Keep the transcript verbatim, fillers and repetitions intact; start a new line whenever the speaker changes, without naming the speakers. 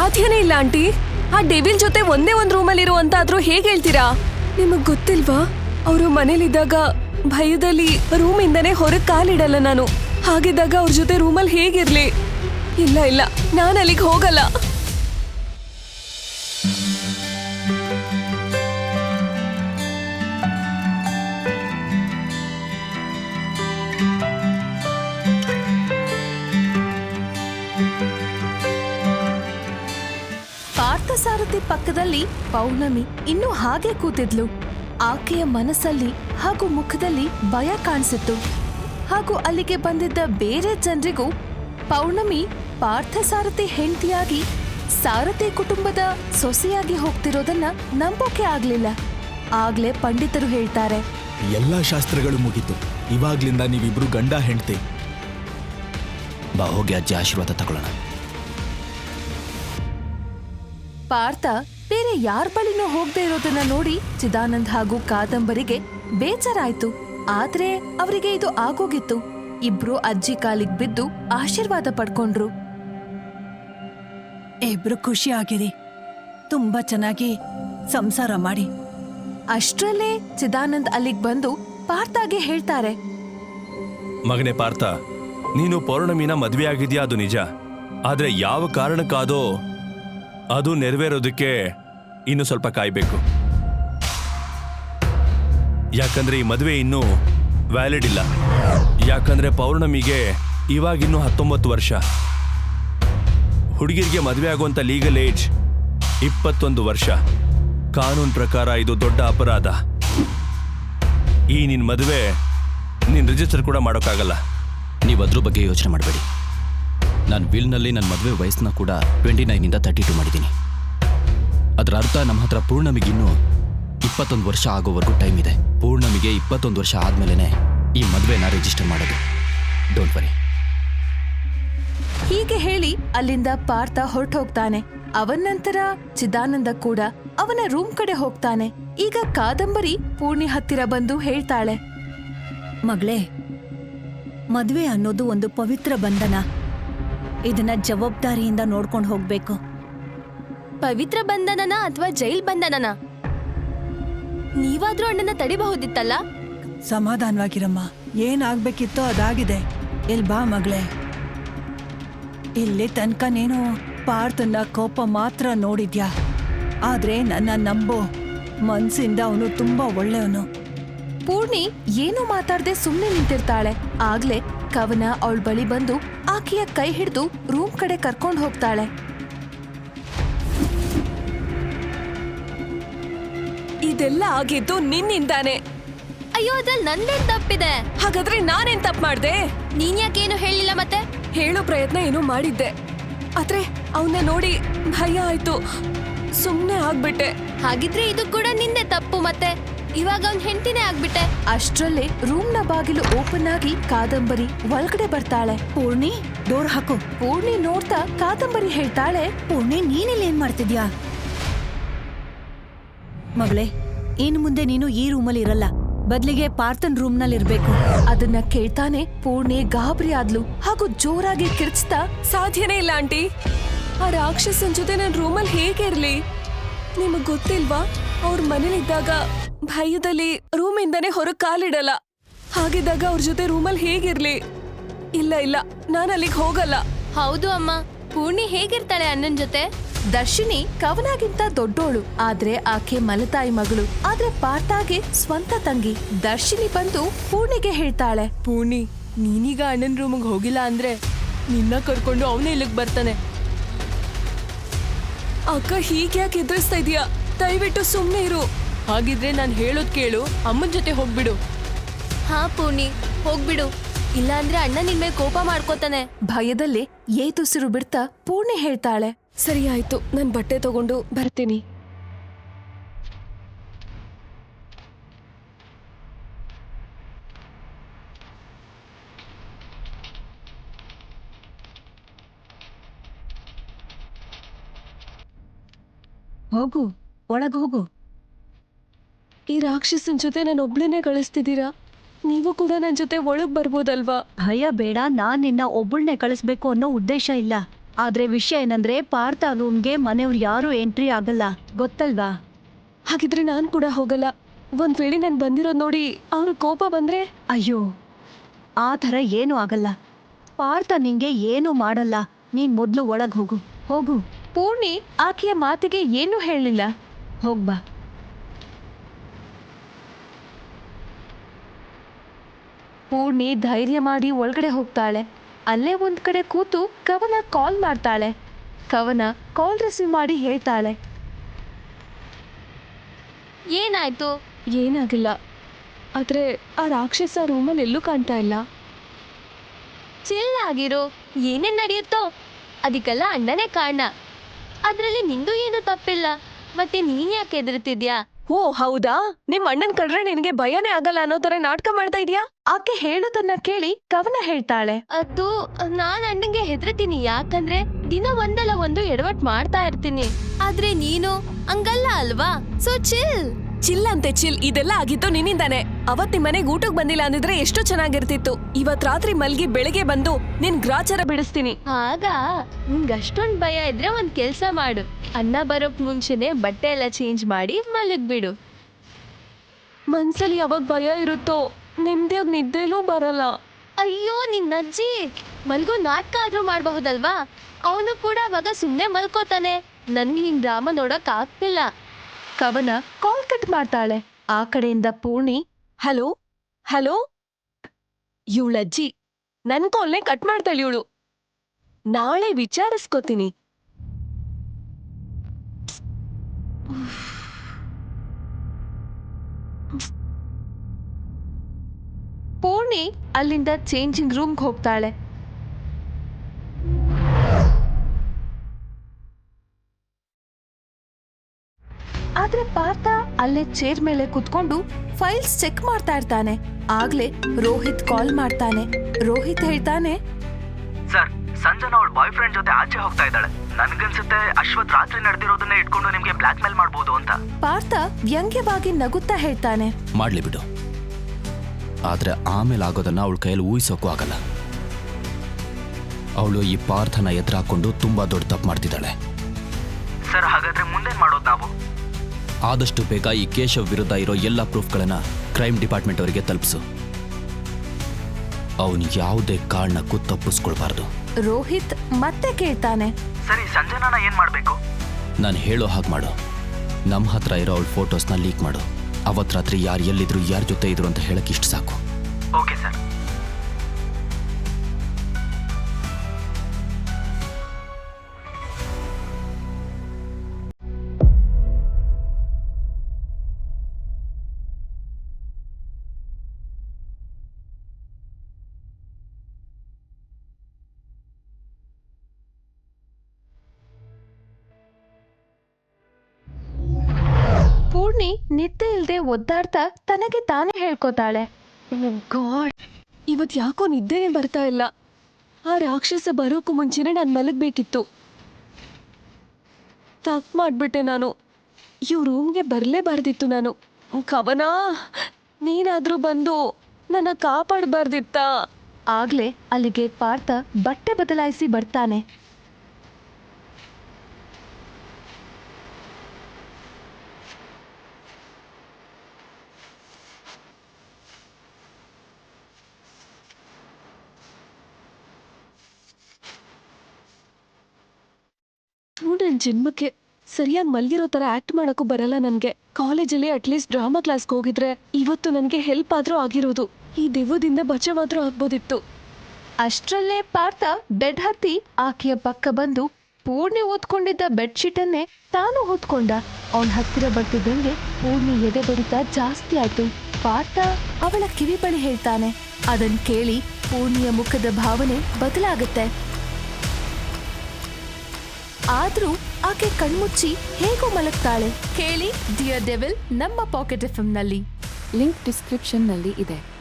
ಸಾಧ್ಯನೇ ಇಲ್ಲ ಆಂಟಿ. ಆ ಡೆವಿಲ್ ಜೊತೆ ಒಂದೇ ಒಂದ್ ರೂಮಲ್ಲಿ ಇರುವಂತಾದ್ರೂ ಹೇಗೆ ಹೇಳ್ತೀರಾ? ನಿಮಗ್ ಗೊತ್ತಿಲ್ವಾ, ಅವರು ಮನೇಲಿದ್ದಾಗ ಭಯದಲ್ಲಿ ರೂಮಿಂದನೇ ಹೊರಗೆ ಕಾಲಿಡಲ್ಲ ನಾನು. ಹಾಗಿದ್ದಾಗ ಅವ್ರ ಜೊತೆ ರೂಮಲ್ಲಿ ಹೇಗಿರ್ಲಿ? ಇಲ್ಲ ಇಲ್ಲ, ನಾನು ಅಲ್ಲಿಗೆ ಹೋಗಲ್ಲ.
ಪಾರ್ಥಸಾರಥಿ ಪಕ್ಕದಲ್ಲಿ ಪೌರ್ಣಮಿ ಇನ್ನೂ ಹಾಗೆ ಕೂತಿದ್ಲು. ಆಕೆಯ ಮನಸ್ಸಲ್ಲಿ ಹಾಗೂ ಮುಖದಲ್ಲಿ ಭಯ ಕಾಣಿಸಿತ್ತು. ಹಾಗೂ ಅಲ್ಲಿಗೆ ಬಂದಿದ್ದ ಬೇರೆ ಜನರಿಗೂ ಪೌರ್ಣಮಿ ಪಾರ್ಥಸಾರಥಿ ಹೆಂಡತಿಯಾಗಿ ಸಾರಥಿ ಕುಟುಂಬದ ಸೊಸೆಯಾಗಿ ಹೋಗ್ತಿರೋದನ್ನ ನಂಬೋಕೆ ಆಗ್ಲಿಲ್ಲ. ಆಗ್ಲೇ ಪಂಡಿತರು ಹೇಳ್ತಾರೆ,
ಎಲ್ಲಾ ಶಾಸ್ತ್ರಗಳು ಮುಗೀತು, ಇವಾಗ್ಲಿಂದ ನೀವಿಬ್ರು ಗಂಡ ಹೆಂಡತಿ. ಬಾ ಹೋಗಿ ಅಜ್ಜಿ ಆಶೀರ್ವಾದ ತಗೊಳ್ಳೋಣ.
ಪಾರ್ಥ ಬೇರೆ ಯಾರ ಬಳಿನೂ ಹೋಗದೆ ಇರೋದನ್ನ ನೋಡಿ ಚಿದಾನಂದ್ ಹಾಗೂ ಕಾದಂಬರಿಗೆ ಬೇಜಾರಾಯ್ತು. ಆದ್ರೆ ಅವರಿಗೆ ಇದು ಆಗೋಗಿತ್ತು. ಇಬ್ರು ಅಜ್ಜಿ ಕಾಲಿಗೆ ಬಿದ್ದು ಆಶೀರ್ವಾದ ಪಡ್ಕೊಂಡ್ರು.
ಇಬ್ರು ಖುಷಿ ಆಗಿರಿ, ತುಂಬಾ ಚೆನ್ನಾಗಿ ಸಂಸಾರ ಮಾಡಿ.
ಅಷ್ಟ್ರಲ್ಲೇ ಚಿದಾನಂದ್ ಅಲ್ಲಿಗ್ ಬಂದು ಪಾರ್ಥಗೆ ಹೇಳ್ತಾರೆ,
ಮಗನೇ ಪಾರ್ಥ, ನೀನು ಪೌರ್ಣಮಿನ ಮದ್ವೆ ಆಗಿದ್ಯಾ, ಅದು ನಿಜ. ಆದ್ರೆ ಯಾವ ಕಾರಣಕ್ಕಾದೋ ಅದು ನೆರವೇರೋದಕ್ಕೆ ಇನ್ನು ಸ್ವಲ್ಪ ಕಾಯ್ಬೇಕು. ಯಾಕಂದ್ರೆ ಈ ಮದುವೆ ಇನ್ನೂ ವ್ಯಾಲಿಡ್ ಇಲ್ಲ. ಯಾಕಂದ್ರೆ ಪೌರ್ಣಮಿಗೆ ಇವಾಗಿನ್ನೂ ಹತ್ತೊಂಬತ್ತು ವರ್ಷ. ಹುಡುಗಿರಿಗೆ ಮದುವೆ ಆಗುವಂತ ಲೀಗಲ್ ಏಜ್ ಇಪ್ಪತ್ತೊಂದು ವರ್ಷ. ಕಾನೂನು ಪ್ರಕಾರ ಇದು ದೊಡ್ಡ ಅಪರಾಧ. ಈ ನಿನ್ ಮದುವೆ ನೀನ್ ರಿಜಿಸ್ಟರ್ ಕೂಡ ಮಾಡೋಕ್ಕಾಗಲ್ಲ.
ನೀವು ಅದ್ರ ಬಗ್ಗೆ ಯೋಚನೆ ಮಾಡಬೇಡಿ. ನಾನು ವಿಲ್ನಲ್ಲಿ ನನ್ನ ಮದುವೆ ವಯಸ್ಸನ್ನ ಕೂಡ ಟ್ವೆಂಟಿ ನೈನಿಂದ ತರ್ಟಿ ಟು ಮಾಡಿದ್ದೀನಿ. ಅದರ ಅರ್ಥ ನಮ್ಮ ಹತ್ರ ಪೂರ್ಣಮಿಗಿನ್ನೂ ಇಪ್ಪತ್ತೊಂದು ವರ್ಷ ಆಗೋವರೆಗೂ ಟೈಮ್ ಇದೆ. ಪೂರ್ಣಮಿಗೆ ಇಪ್ಪತ್ತೊಂದು ವರ್ಷ ಆದ್ಮೇಲೆ ಈ ಮದುವೆನ ರಿಜಿಸ್ಟರ್ ಮಾಡೋದು. Don't worry.
ಹೀಗೆ ಹೇಳಿ ಅಲ್ಲಿಂದ ಪಾರ್ಥ ಹೊರಟು ಹೋಗ್ತಾನೆ. ಅವನ ನಂತರ ಚಿದಾನಂದ ಕೂಡ ಅವನ ರೂಮ್ ಕಡೆ ಹೋಗ್ತಾನೆ. ಈಗ ಕಾದಂಬರಿ ಪೂರ್ಣಿ ಹತ್ತಿರ ಬಂದು ಹೇಳ್ತಾಳೆ,
ಮಗಳೇ, ಮದ್ವೆ ಅನ್ನೋದು ಒಂದು ಪವಿತ್ರ ಬಂಧನ. ಇದನ್ನ ಜವಾಬ್ದಾರಿಯಿಂದ ನೋಡ್ಕೊಂಡು ಹೋಗ್ಬೇಕು.
ಪವಿತ್ರ ಬಂಧನನ ಅಥವಾ ಜೈಲ್ ಬಂಧನನ? ನೀವಾದ್ರೂ ಅಣ್ಣನ ತಡಿಬಹುದಿತ್ತಲ್ಲ.
ಸಮಾಧಾನವಾಗಿರಮ್ಮ, ಏನಾಗ್ಬೇಕಿತ್ತೋ ಅದಾಗಿದೆ. ಇಲ್ ಬಾ ಮಗಳೇ. ಇಲ್ಲಿ ತನಕ ನೀನು ಪಾರ್ಥನ ಕೋಪ ಮಾತ್ರ ನೋಡಿದ್ಯಾ, ಆದ್ರೆ ನನ್ನ ನಂಬೋ, ಮನ್ಸಿಂದ ಅವನು ತುಂಬಾ ಒಳ್ಳೆಯವನು.
ಪೂರ್ಣಿ ಏನು ಮಾತಾಡದೆ ಸುಮ್ನೆ ನಿಂತಿರ್ತಾಳೆ. ಆಗ್ಲೇ ಕವನ ಅವಳ ಬಳಿ ಬಂದು ಆಕೆಯ ಕೈ ಹಿಡಿದು ರೂಮ್ ಕಡೆ ಕರ್ಕೊಂಡು ಹೋಗ್ತಾಳೆ.
ಇದೆಲ್ಲ ಆಗಿದ್ದು ನಿನ್ನಿಂದಾನೆ.
ಅಯ್ಯೋ, ಅದ್ರಲ್ಲಿ ನಂದೇನ್ ತಪ್ಪಿದೆ?
ಹಾಗಾದ್ರೆ ನಾನೇನ್ ತಪ್ಪು ಮಾಡ್ದೆ?
ನೀನ್ ಯಾಕೇನು ಹೇಳಿಲ್ಲ ಮತ್ತೆ?
ಹೇಳೋ ಪ್ರಯತ್ನ ಏನೋ ಮಾಡಿದ್ದೆ, ಆದ್ರೆ ಅವನ್ನ ನೋಡಿ ಭಯ ಆಯ್ತು, ಸುಮ್ನೆ ಆಗ್ಬಿಟ್ಟೆ.
ಹಾಗಿದ್ರೆ ಇದು ಕೂಡ ನಿಂದೆ ತಪ್ಪು. ಮತ್ತೆ ಇವಾಗ ಅವ್ನ್ ಹೆಂಡತಿನೇ ಆಗ್ಬಿಟ್ಟೆ.
ಅಷ್ಟ್ರಲ್ಲೇ ರೂಮ್ನ ಬಾಗಿಲು ಓಪನ್ ಆಗಿ ಕಾದಂಬರಿ ಒಳಗಡೆ ಬರ್ತಾಳೆ.
ಪೂರ್ಣಿ, ಡೋರ್ ಹಾಕು.
ಪೂರ್ಣಿ ನೋಡ್ತಾ ಕಾದಂಬರಿ ಹೇಳ್ತಾಳೆ,
ಪೂರ್ಣಿ, ನೀನಿಲ್ಲಿ ಏನ್ ಮಾಡ್ತಿದ್ಯಾ? ಮಗಳೇ, ಇನ್ ಮುಂದೆ ನೀನು ಈ ರೂಮಲ್ಲಿ ಇರಲ್ಲ, ಬದ್ಲಿಗೆ ಪಾರ್ಥನ್ ರೂಮ್ ನಲ್ಲಿ ಇರ್ಬೇಕು.
ಅದನ್ನ ಕೇಳ್ತಾನೆ ಪೂರ್ಣಿ ಗಾಬರಿ ಆದ್ಲು ಹಾಗೂ ಜೋರಾಗಿ ಕಿರ್ಚ್ತಾ,
ಸಾಧ್ಯನೇ ಇಲ್ಲ ಆಂಟಿ. ಆ ರಾಕ್ಷಸನ್ ಜೊತೆ ನನ್ನ ರೂಮಲ್ಲಿ ಹೇಗೆ ಇರ್ಲಿ? ನಿಮಗ್ ಗೊತ್ತಿಲ್ವಾ, ಅವ್ರ ಮನೇಲಿದ್ದಾಗ ಭಯದಲ್ಲಿ ರೂಮಿಂದನೇ ಹೊರಗೆ ಕಾಲಿಡಲ್ಲ. ಹಾಗಿದ್ದಾಗ ಅವ್ರ ಜೊತೆ ರೂಮಲ್ಲಿ ಹೇಗಿರ್ಲಿ? ಇಲ್ಲ ಇಲ್ಲ, ನಾನು ಅಲ್ಲಿಗೆ ಹೋಗಲ್ಲ.
ಹೌದು ಅಮ್ಮ, ಪೂರ್ಣಿ ಹೇಗಿರ್ತಾಳೆ ಅಣ್ಣನ್ ಜೊತೆ?
ದರ್ಶಿನಿ ಕವನಾಗಿಂತ ದೊಡ್ಡೋಳು, ಆದ್ರೆ ಆಕೆ ಮಲತಾಯಿ ಮಗಳು. ಆದ್ರೆ ಪಾರ್ಥಾಗೆ ಸ್ವಂತ ತಂಗಿ. ದರ್ಶಿನಿ ಬಂದು ಪೂರ್ಣಿಗೆ ಹೇಳ್ತಾಳೆ,
ಪೂರ್ಣಿ, ನೀನೀಗ ಅಣ್ಣನ ರೂಮಿಗೆ ಹೋಗಿಲ್ಲ ಅಂದ್ರೆ ನಿನ್ನ ಕರ್ಕೊಂಡು ಅವನೇ ಇಲ್ಲಿಗೆ ಬರ್ತಾನೆ. ಅಕ್ಕ ಹೀಗ್ಯಾಕೆ ಎದುರಿಸ್ತಾ ಇದೀಯಾ? ದಯವಿಟ್ಟು ಸುಮ್ಮನೆ ಇರು. ಹಾಗಿದ್ರೆ ನಾನು ಹೇಳೋದ್ ಕೇಳು, ಅಮ್ಮನ ಜೊತೆ ಹೋಗ್ಬಿಡು.
ಹಾ ಪೂರ್ಣಿ, ಹೋಗ್ಬಿಡು. ಇಲ್ಲ ಅಂದ್ರೆ ಅಣ್ಣ ನಿನ್ ಮೇಲೆ ಕೋಪ ಮಾಡ್ಕೋತಾನೆ.
ಭಯದಲ್ಲಿ ಏತುಸಿರು ಬಿಡ್ತಾ ಪೂರ್ಣಿ ಹೇಳ್ತಾಳೆ,
ಸರಿ ಆಯ್ತು, ನಾನು ಬಟ್ಟೆ ತಗೊಂಡು ಬರ್ತೀನಿ.
ಹೋಗು, ಒಳಗ್ ಹೋಗು.
ಈ ರಾಕ್ಷಸನ್ ಜೊತೆ ನಾನು ಒಬ್ಳನ್ನೇ ಕಳಿಸ್ತಿದ್ದೀರಾ? ನೀವು ಕೂಡ ನನ್ನ ಜೊತೆ ಒಳಗ್ ಬರ್ಬೋದಲ್ವಾ?
ಭಯ ಬೇಡ, ನಾನ್ ನಿನ್ನ ಒಬ್ಬಳನ್ನೇ ಕಳಿಸ್ಬೇಕು ಅನ್ನೋ ಉದ್ದೇಶ ಇಲ್ಲ. ಆದ್ರೆ ವಿಷಯ ಏನಂದ್ರೆ ಪಾರ್ಥ ರೂಮ್ಗೆ ಮನೆಯವ್ರು ಯಾರು ಎಂಟ್ರಿ ಆಗಲ್ಲ, ಗೊತ್ತಲ್ವಾ?
ಹಾಗಿದ್ರೆ ನಾನು ಕೂಡ ಹೋಗಲ್ಲ. ಒಂದ್ ವೇಳೆ ನಾನು ಬಂದಿರೋದು ನೋಡಿ ಅವ್ರ ಕೋಪ ಬಂದ್ರೆ?
ಅಯ್ಯೋ, ಆ ಥರ ಏನೂ ಆಗಲ್ಲ. ಪಾರ್ಥ ನಿಂಗೆ ಏನೂ ಮಾಡಲ್ಲ. ನೀನ್ ಮೊದ್ಲು ಒಳಗ್ ಹೋಗು, ಹೋಗು.
ಪೂರ್ಣಿ ಆಕೆಯ ಮಾತಿಗೆ ಏನೂ ಹೇಳಲಿಲ್ಲ.
ಹೋಗ್ಬಾ.
ಪೂರ್ಣಿ ಧೈರ್ಯ ಮಾಡಿ ಒಳಗಡೆ ಹೋಗ್ತಾಳೆ. ಅಲ್ಲೇ ಒಂದ್ ಕಡೆ ಕೂತು ಕವನ ಕಾಲ್ ಮಾಡ್ತಾಳೆ. ಕವನ ಕಾಲ್ ರಿಸೀವ್ ಮಾಡಿ ಹೇಳ್ತಾಳೆ.
ಏನಾಯ್ತು?
ಏನಾಗಿಲ್ಲ, ಆದ್ರೆ ಆ ರಾಕ್ಷಸ ರೂಮಲ್ಲಿ ಎಲ್ಲೂ ಕಾಣ್ತಾ ಇಲ್ಲ.
ಚಿಲ್ ಆಗಿರು, ಏನೇನ್ ನಡೆಯುತ್ತೋ ಅದಕ್ಕೆಲ್ಲ ಅಣ್ಣನೇ ಕಾರಣ. ಅದ್ರಲ್ಲಿ ನಿಂದು ಏನು ತಪ್ಪಿಲ್ಲ. ಮತ್ತೆ ನೀನ್ ಯಾಕೆ ಹೆದರ್ತಿದ್ಯಾ?
ಓ ಹೌದಾ, ನಿಮ್ ಅಣ್ಣನ್ ಕಂಡ್ರೆ ನಿನಗೆ ಭಯನೇ ಆಗಲ್ಲ ಅನ್ನೋ ತರ ನಾಟಕ ಮಾಡ್ತಾ ಇದೀಯಾ?
ಆಕೆ ಹೇಳೋದನ್ನ ಕೇಳಿ ಕವನ ಹೇಳ್ತಾಳೆ.
ಅದು ನಾನ್ ಅಣ್ಣಂಗೆ ಹೆದರ್ತೀನಿ, ಯಾಕಂದ್ರೆ ದಿನ ಒಂದಲ್ಲ ಒಂದು ಎಡವಟ್ ಮಾಡ್ತಾ ಇರ್ತೀನಿ. ಆದ್ರೆ ನೀನು ಹಂಗಲ್ಲ ಅಲ್ವಾ? So chill.
ಚಿಲ್ ಅಂತೆ ಚಿಲ್, ಇದೆಲ್ಲ ಆಗಿತ್ತು ನಿನ್ನಿಂದಾನೆ. ಅವತ್ ನಿಮ್ ಮನೆಗ್ ಊಟಕ್ ಬಂದಿಲ್ಲ ಅಂದಿದ್ರೆ ಎಷ್ಟು ಚೆನ್ನಾಗಿರ್ತಿತ್ತು. ಇವತ್ ರಾತ್ರಿ ಮಲ್ಗಿ ಬೆಳಿಗ್ಗೆ ಬಂದು ನಿನ್ ಗ್ರಾಚಾರ ಬಿಡಿಸ್ತೀನಿ.
ಆಗ ನಿಂಗೆ ಅಷ್ಟೊಂದ್ ಭಯ ಇದ್ರೆ ಒಂದ್ ಕೆಲ್ಸ ಮಾಡು, ಅಣ್ಣ ಬರೋಕ್ ಮುಂಚೆನೆ ಬಟ್ಟೆ ಎಲ್ಲ ಚೇಂಜ್ ಮಾಡಿ ಮಲಗ್ಬಿಡು.
ಮನ್ಸಲ್ಲಿ ಯಾವಾಗ ಭಯ ಇರುತ್ತೋ ನೆಮ್ಮದಿಯಾಗಿ ನಿದ್ದೆಲೂ ಬರಲ್ಲ.
ಅಯ್ಯೋ ನಿನ್ನ ಅಜ್ಜಿ, ಮಲ್ಗೋ ನಾಟಕ ಆದ್ರೂ ಮಾಡಬಹುದಲ್ವಾ? ಅವನು ಕೂಡ ಅವಾಗ ಸುಮ್ಮನೆ ಮಲ್ಕೋತಾನೆ. ನನ್ಗೆ ಹಿಂಗ್ ಡ್ರಾಮಾ ನೋಡಕ್ ಆಗ್ತಿಲ್ಲ.
ಕವನ ಕಾಲ್ ಕಟ್ ಮಾಡ್ತಾಳೆ. ಆ ಕಡೆಯಿಂದ ಪೂರ್ಣಿ,
ಹಲೋ ಹಲೋ, ಇವಳಜ್ಜಿ ನನ್ ಕಾಲ್ನೇ ಕಟ್ ಮಾಡ್ತಾಳೆ ಇವಳು. ನಾಳೆ ವಿಚಾರಿಸ್ಕೋತೀನಿ.
ಪೂರ್ಣಿ ಅಲ್ಲಿಂದ ಚೇಂಜಿಂಗ್ ರೂಮ್ಗೆ ಹೋಗ್ತಾಳೆ. ಆದ್ರೆ ಪಾರ್ಥ ಅಲ್ಲೇ ಚೇರ್ ಮೇಲೆ ಕುತ್ಕೊಂಡು ಫೈಲ್ಸ್ ಚೆಕ್ ಮಾಡ್ತಾ ಇರ್ತಾನೆ. ಆಗ್ಲೇ ರೋಹಿತ್ ಕಾಲ್ ಮಾಡ್ತಾನೆ. ರೋಹಿತ್ ಹೇಳ್ತಾನೆ,
ಸರ್, ಸಂಜನಾ ಅವಳ ಬಾಯ್ ಫ್ರೆಂಡ್ ಜೊತೆ ಆಚೆ ಹೋಗ್ತಾ ಇದ್ದಾಳೆ. ನನ್ಗನ್ಸುತ್ತೆ ಅಶ್ವಥ್ ರಾತ್ರಿ ನಡೆದಿರೋದನ್ನೇ ಇಟ್ಕೊಂಡು ನಿಮ್ಗೆ ಬ್ಲಾಕ್ ಮೇಲ್ ಮಾಡ್ಬೋದು ಅಂತ.
ಪಾರ್ಥ ವ್ಯಂಗ್ಯವಾಗಿ ನಗುತ್ತಾ ಹೇಳ್ತಾನೆ.
ಮಾಡ್ಲಿ ಬಿಡು, ಆದ್ರೆ ಆಮೇಲೆ ಆಗೋದನ್ನ ಅವಳ ಕೈಯಲ್ಲಿ ಊಹಿಸೋಕ್ಕೂ ಆಗಲ್ಲ. ಅವಳು ಈ ಪಾರ್ಥನ ಎದುರಾಕೊಂಡು ತುಂಬಾ ದೊಡ್ಡ ತಪ್ಪು ಮಾಡ್ತಿದ್ದಾಳೆ.
ಸರ್, ಹಾಗಾದ್ರೆ ಮುಂದೇನ್ ಮಾಡೋದು ನಾವು?
ಆದಷ್ಟು ಬೇಗ ಈ ಕೇಶವ್ ವಿರುದ್ಧ ಇರೋ ಎಲ್ಲ ಪ್ರೂಫ್ಗಳನ್ನ ಕ್ರೈಮ್ ಡಿಪಾರ್ಟ್ಮೆಂಟ್ ಅವರಿಗೆ ತಲುಪಿಸು. ಅವನು ಯಾವುದೇ ಕಾರಣಕ್ಕೂ ತಪ್ಪಿಸ್ಕೊಳ್ಬಾರ್ದು.
ರೋಹಿತ್ ಮತ್ತೆ ಕೇಳ್ತಾನೆ,
ಸರಿ, ಸಂಜನಾನ ಏನ್ ಮಾಡ್ಬೇಕು?
ನಾನು ಹೇಳೋ ಹಾಗೆ ಮಾಡು. ನಮ್ಮ ಹತ್ರ ಇರೋ ಅವಳ ಫೋಟೋಸ್ನ ಲೀಕ್ ಮಾಡು. ಅವತ್ತು ರಾತ್ರಿ ಯಾರು ಎಲ್ಲಿದ್ರು, ಯಾರ ಜೊತೆ ಇದ್ರು ಅಂತ ಹೇಳಕ್ಕೆ ಇಷ್ಟು ಸಾಕು.
Okay sir.
ಪೂರ್ಣಿ ನಿದ್ದೆ ಇಲ್ದೆ ಒದ್ದಾಡ್ತಾ ತನಗೆ ತಾನೇ ಹೇಳ್ಕೊತಾಳೆ.
ಗಾಡ್, ಇವತ್ ಯಾಕೋ ನಿದ್ದೆನೇ ಬರ್ತಾ ಇಲ್ಲ. ಆ ರಾಕ್ಷಸ ಬರೋಕ್ಕೂ ಮುಂಚೆನೆ ನಾನು ಮಲಗಬೇಕಿತ್ತು. ತಪ್ಪು ಮಾಡ್ಬಿಟ್ಟೆ ನಾನು. ಇವ್ ರೂಮ್ಗೆ ಬರಲೇಬಾರ್ದಿತ್ತು ನಾನು. ಕವನ, ನೀನಾದ್ರೂ ಬಂದು ನನ್ನ ಕಾಪಾಡಬಾರ್ದಿತ್ತಾ?
ಆಗ್ಲೇ ಅಲ್ಲಿಗೆ ಪಾರ್ಥ ಬಟ್ಟೆ ಬದಲಾಯಿಸಿ ಬರ್ತಾನೆ.
ನನ್ನ ಜನ್ಮಕ್ಕೆ ಸರಿಯಾಗಿ ಮಲ್ಗಿರೋ ತರ ಆಕ್ಟ್ ಮಾಡಕ್ಕೂ ಬರಲ್ಲ ನನ್ಗೆ. ಕಾಲೇಜಲ್ಲಿ ಅಟ್ಲೀಸ್ಟ್ ಡ್ರಾಮಾ ಕ್ಲಾಸ್ಗೆ ಹೋಗಿದ್ರೆ ಇವತ್ತು ನನಗೆ ಹೆಲ್ಪ್ ಆದ್ರೂ ಆಗಿರೋದು. ಈ ದೆವ್ವದಿಂದ ಬಚಾವಾದ್ರೂ ಆಗ್ಬೋದಿತ್ತು.
ಅಷ್ಟರಲ್ಲೇ ಪಾರ್ಥ ಬೆಡ್ ಹತ್ತಿ ಆಕೆಯ ಪಕ್ಕ ಬಂದು ಪೂರ್ಣಿ ಓದ್ಕೊಂಡಿದ್ದ ಬೆಡ್ಶೀಟನ್ನೇ ತಾನು ಹೊತ್ಕೊಂಡ. ಅವನ ಹತ್ತಿರ ಬರ್ತಿದ್ದಂಗೆ ಪೂರ್ಣಿ ಎದೆ ಬಡಿತ ಜಾಸ್ತಿ ಆಯ್ತು. ಪಾರ್ಥ ಅವಳ ಕಿವಿ ಬಳಿ ಹೇಳ್ತಾನೆ. ಅದನ್ ಕೇಳಿ ಪೂರ್ಣಿಯ ಮುಖದ ಭಾವನೆ ಬದಲಾಗುತ್ತೆ. ಆದ್ರೂ ಆಕೆ ಕಣ್ಮುಚ್ಚಿ ಹೇಗೋ ಮಲಗ್ತಾಳೆ. ಕೇಳಿ ಡಿಯರ್ ಡೆವಿಲ್ ನಮ್ಮ ಪಾಕೆಟ್ ಎಫ್ ಎಂ ನಲ್ಲಿ.
ಲಿಂಕ್ ಡಿಸ್ಕ್ರಿಪ್ಷನ್ನಲ್ಲಿ ಇದೆ.